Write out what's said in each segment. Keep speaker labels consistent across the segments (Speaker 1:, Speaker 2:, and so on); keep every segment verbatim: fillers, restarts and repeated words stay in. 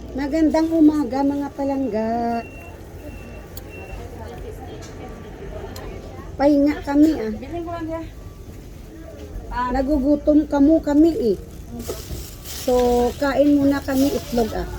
Speaker 1: Magandang umaga mga palangga. Pahinga kami ah. Nagugutom kamo kami eh. So kain muna kami itlog ah.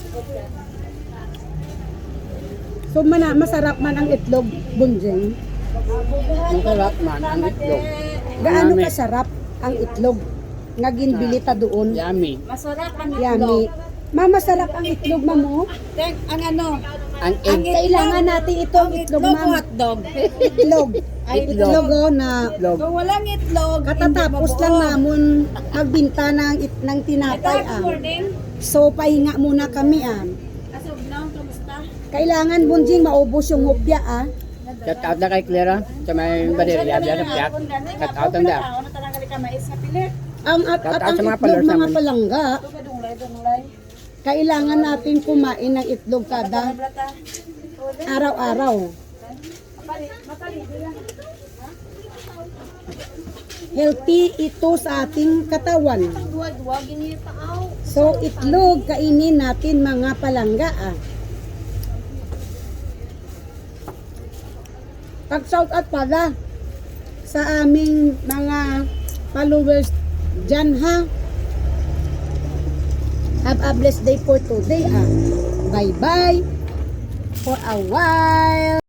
Speaker 1: So mana masarap man ang itlog, Bunjing.
Speaker 2: Masarap man ang itlog.
Speaker 1: Gaano
Speaker 2: Yummy.
Speaker 1: kasarap ang itlog? Nga ginbili ta doon.
Speaker 2: Yummy.
Speaker 3: Masarap ang
Speaker 1: Yummy. Ma, masarap ang itlog, mamo.
Speaker 3: Tek, ang ano?
Speaker 2: Ang
Speaker 1: Ang
Speaker 2: egg.
Speaker 1: kailangan natin ito ang itlog,
Speaker 3: Itlog o
Speaker 1: ma'am.
Speaker 3: hotdog?
Speaker 1: Itlog.
Speaker 3: Ay,
Speaker 1: Itlog oh, na
Speaker 2: Itlog.
Speaker 3: Kung walang itlog,
Speaker 1: katatapos
Speaker 3: hindi
Speaker 1: lang
Speaker 3: mabuo.
Speaker 1: namon magbinta ng, it, ng
Speaker 3: Ito,
Speaker 1: tinapay
Speaker 3: good
Speaker 1: ah.
Speaker 3: morning.
Speaker 1: So pahinga muna kami ah.
Speaker 3: Asog na, kamusta?
Speaker 1: Kailangan Bunjing maubos yung hopya ah.
Speaker 2: Shout out na kay Clara sa may baderya diyan sa piyak. Shout out na.
Speaker 3: Ano talaga ka mais na pilit?
Speaker 1: Ang at,
Speaker 2: Shout
Speaker 1: at
Speaker 2: out
Speaker 1: ang
Speaker 2: sa mga
Speaker 1: itlog
Speaker 2: followers
Speaker 1: mga
Speaker 2: namin.
Speaker 1: palangga,
Speaker 3: Ito ka dunglay, dunglay.
Speaker 1: kailangan natin kumain ng itlog kada
Speaker 3: Brata.
Speaker 1: araw-araw.
Speaker 3: Mapali, mapali, bilang.
Speaker 1: Healthy ito sa ating katawan.
Speaker 3: Duwag, duwag, ini taaw.
Speaker 1: So itlog kainin natin mga palangga ah. Pag-shout out pala sa aming mga followers dyan ha. Have a blessed day for today ah. Bye bye for a while.